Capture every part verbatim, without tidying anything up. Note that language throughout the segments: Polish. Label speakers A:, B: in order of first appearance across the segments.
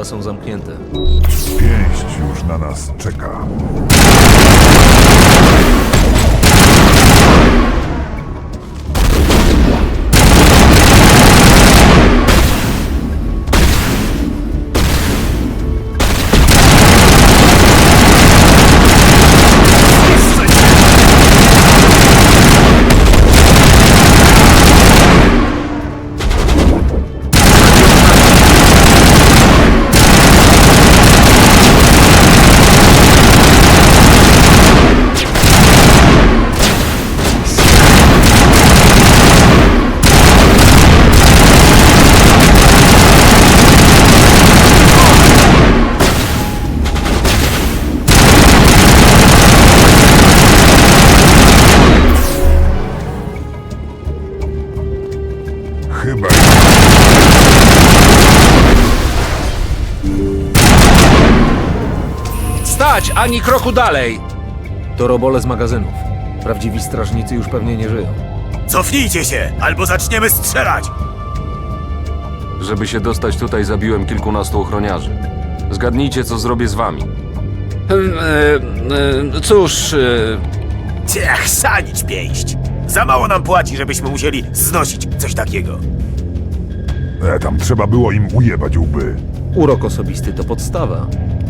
A: chyba są zamknięte.
B: Pięść już na nas czeka. Chyba...
A: Stać! Ani kroku dalej! To robole z magazynów. Prawdziwi strażnicy już pewnie nie żyją.
C: Cofnijcie się, albo zaczniemy strzelać!
D: Żeby się dostać tutaj, zabiłem kilkunastu ochroniarzy. Zgadnijcie, co zrobię z wami.
A: E, e, cóż... E,
C: Ciech, sanić pięść! Za mało nam płaci, żebyśmy musieli znosić coś takiego.
B: E, tam trzeba było im ujebać łby.
A: urok osobisty to podstawa.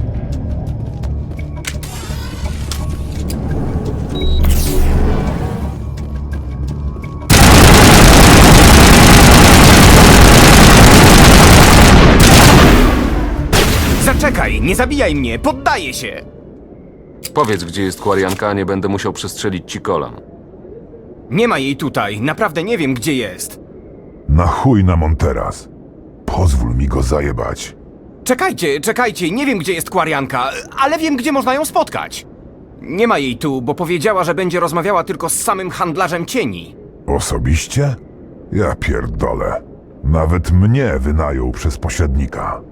E: Zaczekaj, nie zabijaj mnie, poddaję się!
D: Powiedz, gdzie jest Kwarianka, a nie będę musiał przestrzelić ci kolan.
E: Nie ma jej tutaj, naprawdę nie wiem, gdzie jest.
B: Na chuj nam on teraz. Pozwól mi go zajebać.
E: Czekajcie, czekajcie, nie wiem, gdzie jest Kwarianka, ale wiem, gdzie można ją spotkać. Nie ma jej tu, bo powiedziała, że będzie rozmawiała tylko z samym handlarzem cieni.
B: Osobiście? Ja pierdolę. Nawet mnie wynajął przez pośrednika.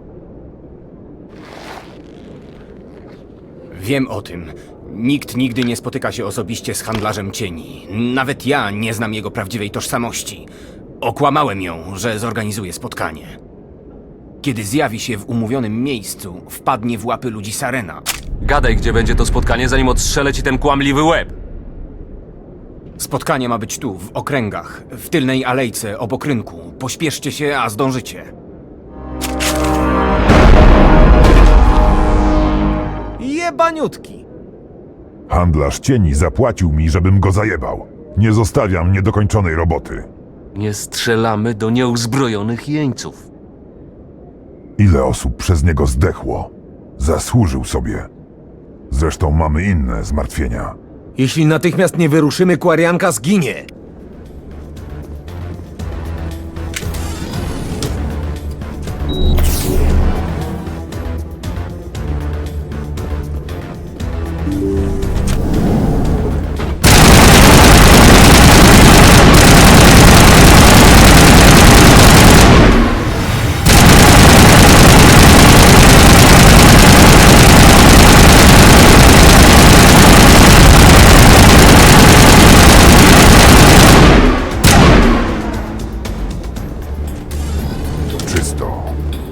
E: Wiem o tym. Nikt nigdy nie spotyka się osobiście z handlarzem cieni. Nawet ja nie znam jego prawdziwej tożsamości. Okłamałem ją, że zorganizuje spotkanie. Kiedy zjawi się w umówionym miejscu, wpadnie w łapy ludzi Sarena.
D: Gadaj, gdzie będzie to spotkanie, zanim odstrzelę ci ten kłamliwy łeb.
E: Spotkanie ma być tu, w okręgach, w tylnej alejce, obok rynku. Pośpieszcie się, a zdążycie.
A: Jebaniutki!
B: Handlarz cieni zapłacił mi, żebym go zajebał. Nie zostawiam niedokończonej roboty.
D: Nie strzelamy do nieuzbrojonych jeńców.
B: Ile osób przez niego zdechło? Zasłużył sobie. Zresztą mamy inne zmartwienia.
A: Jeśli natychmiast nie wyruszymy, Kwarianka zginie!
B: Czysto.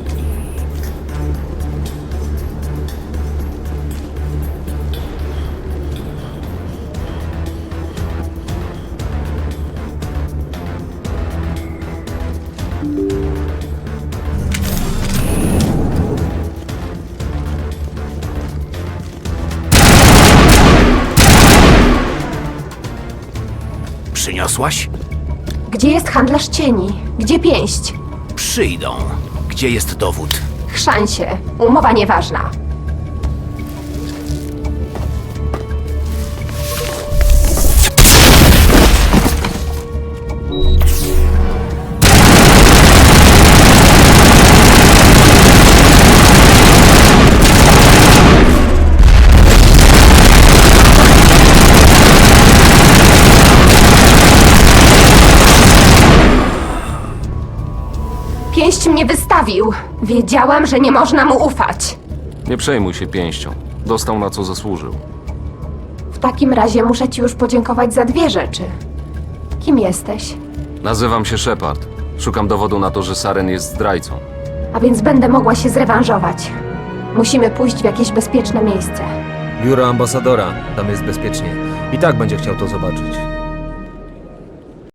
C: Przyniosłaś?
F: Gdzie jest handlarz cieni? Gdzie pięść?
C: Przyjdą. Gdzie jest dowód?
F: Chrzań się. Umowa nieważna. Pięść mnie wystawił. Wiedziałam, że nie można mu ufać.
D: Nie przejmuj się pięścią. Dostał na co zasłużył.
F: W takim razie muszę ci już podziękować za dwie rzeczy. Kim jesteś?
D: Nazywam się Shepard. Szukam dowodu na to, że Saren jest zdrajcą.
F: a więc będę mogła się zrewanżować. Musimy pójść w jakieś bezpieczne miejsce.
A: Biuro ambasadora, tam jest bezpiecznie. I tak będzie chciał to zobaczyć.